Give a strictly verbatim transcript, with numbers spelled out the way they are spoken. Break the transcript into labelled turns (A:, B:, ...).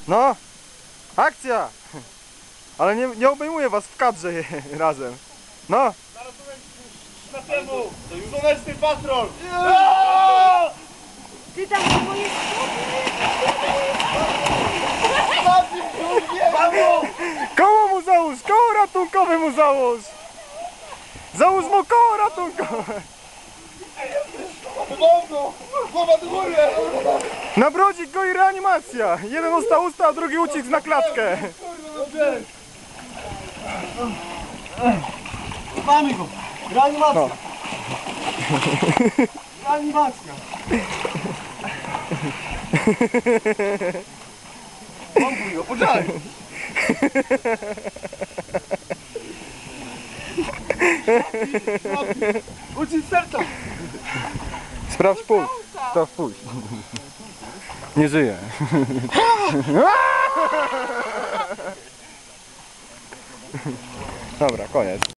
A: No, akcja! Ale nie, nie obejmuję was w kadrze razem. No.
B: Zaraz na temu! Słoneczny patrol!
C: Ty tam do mojej
A: Koło mu załóż! Koło ratunkowe mu załóż! Załóż mu koło ratunkowe!
B: Mocno! Głowa do góry!
A: Na brodzik go i reanimacja! Jeden usta usta, a drugi ucisk na klatkę!
B: Dobrze! Mamy go! Reanimacja!
A: No.
B: Reanimacja! Pompuj go, poczekaj! Ucisk serca!
A: Sprawdź puls. Sprawdź puls. Nie żyje. Dobra, koniec.